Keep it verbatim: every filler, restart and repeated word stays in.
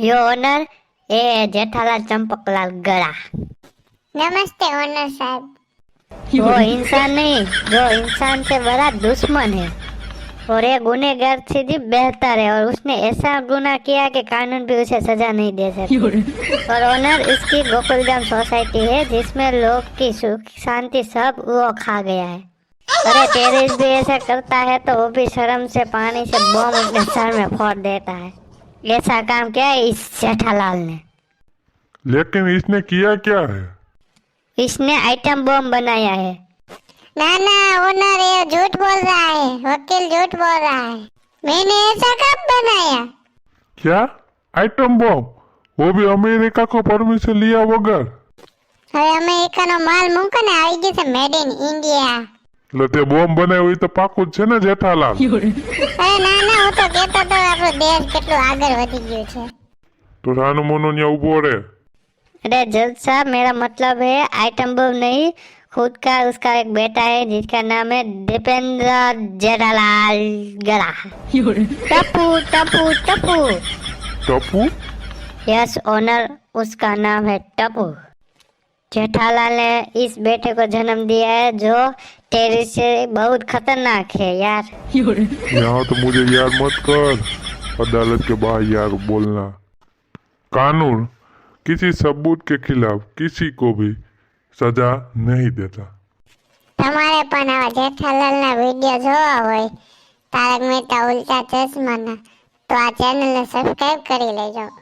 यो honour ए जेठालाल चंपकलाल गड़ा। नमस्ते owner साहब। वो इंसान नहीं, जो इंसान से बड़ा दुश्मन है और ये गुनहगार से भी बेहतर है, और उसने ऐसा गुनाह किया कि कानून भी उसे सजा नहीं दे सकती। और ओनर इसकी गोकुलधाम सोसाइटी है जिसमें लोग की सुख शांति सब वो खा गया है। अरे टेरिस भी ऐसा करता है तो वो भी शर्म से पानी से बम अपने सर में फोड़ देता है। ऐसा काम क्या है इस जेठालाल ने? लेकिन इसने किया क्या है? इसने आइटम बम बनाया है। ना ना ओनर ये झूठ बोल रहा है, वकील झूठ बोल रहा है। मैंने ऐसा कब बनाया? क्या आइटम बम? वो भी अमेरिका को परमिशन लिया बगैर? હવે અમેરિકાનો માલ મૂકો ને આવી ગઈ છે મેડ ઇન ઇન્ડિયા। એટલે તે બોમ્બ બનાવ્યો એ તો પાકું જ છે ને જેઠાલાલ? અરે ના ના હું તો કહેતો તો આપણો દેશ કેટલું આગળ વધી ગયું છે। તો રાનુ મોનો ન્યા ઉભો રે। अरे जज साहब, मेरा मतलब है आइटम बम नहीं, खुद का उसका एक बेटा है जिसका नाम है दीपेंद्र जेठालाल गड़ा। टप्पू टप्पू टप्पू। टप्पू? यस ओनर, उसका नाम है टप्पू। जेठालाल ने इस बेटे को जन्म दिया है जो टेरिस से बहुत खतरनाक है यार। यहाँ तो मुझे यार मत कर, अदालत के बाहर यार बोलना। कानून किसी सबूत के खिलाफ किसी को भी सजा नहीं देता। તમારે પણ આવા જેઠાલાલના વિડિયો જોવા હોય તારક મહેતા ઉલ્ટા ચશ્માના તો આ ચેનલને સબસ્ક્રાઇબ કરી લેજો।